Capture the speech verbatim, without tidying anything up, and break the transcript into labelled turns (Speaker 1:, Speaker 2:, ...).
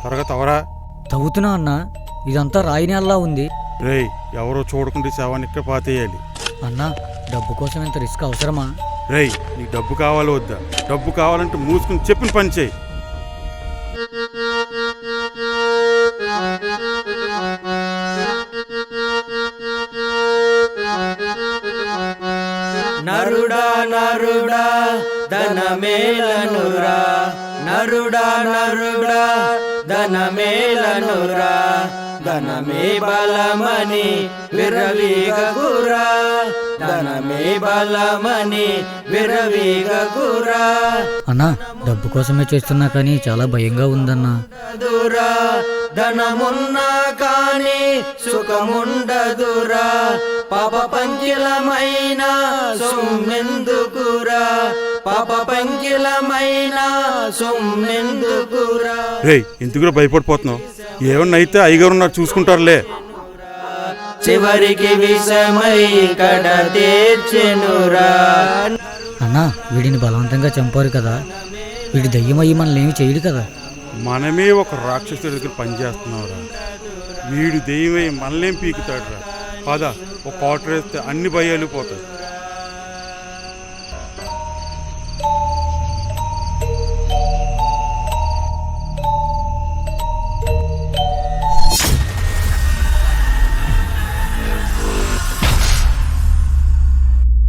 Speaker 1: త్వరగా తవరా.
Speaker 2: తవ్వుతున్నా అన్న, ఇదంతా రాయి నేలలా ఉంది.
Speaker 1: రేయ్, ఎవరో చూడకుండా శవాన్ని ఇక్కడ పాతేయాలి.
Speaker 2: అన్న, డబ్బు కోసం ఇంత రిస్క్ అవసరమా?
Speaker 1: రేయ్, నీకు డబ్బు కావాలో వద్దా? డబ్బు కావాలంటే మూసుకుని చెప్పిన పని చేయి.
Speaker 3: నరుడా నరుడా ధనమేలనురా, నరుడా నరుడా ధనమేలనురా, ధనమే బలమని విర్రవీగకురా, ధనమే బలమని విర్రవీగకురా.
Speaker 2: అన్నా, డబ్బు కోసమే చేస్తున్నా కానీ చాలా భయంగా ఉందన్నా.
Speaker 3: దురా ధనమున్నా కానీ సుఖముండదురా, పాప పంకిలమైన సొమ్మెందుకురా, పాప పంకిలమైన సొమ్మెందుకురా.
Speaker 1: రేయ్, ఎందుకురా భయపడిపోతున్నావు? ఏమన్నా అయితే అయ్యగారు నాకు చూసుకుంటారులే.
Speaker 3: చివరికి విషమై కడ తీర్చెనురా.
Speaker 2: అన్నా, వీడిని బలవంతంగా చంపారు కదా, వీడి దయ్యమయ్యి మనల్ని ఏమి చేయడు కదా.
Speaker 1: మనమే ఒక రాక్షసుడి దగ్గర పనిచేస్తున్నావురా. వీడు దెయ్యమై మనలేం పీకుతాడురా. పద, ఒక క్వార్టర్ వేస్తే అన్ని భయాలు పోతాయి.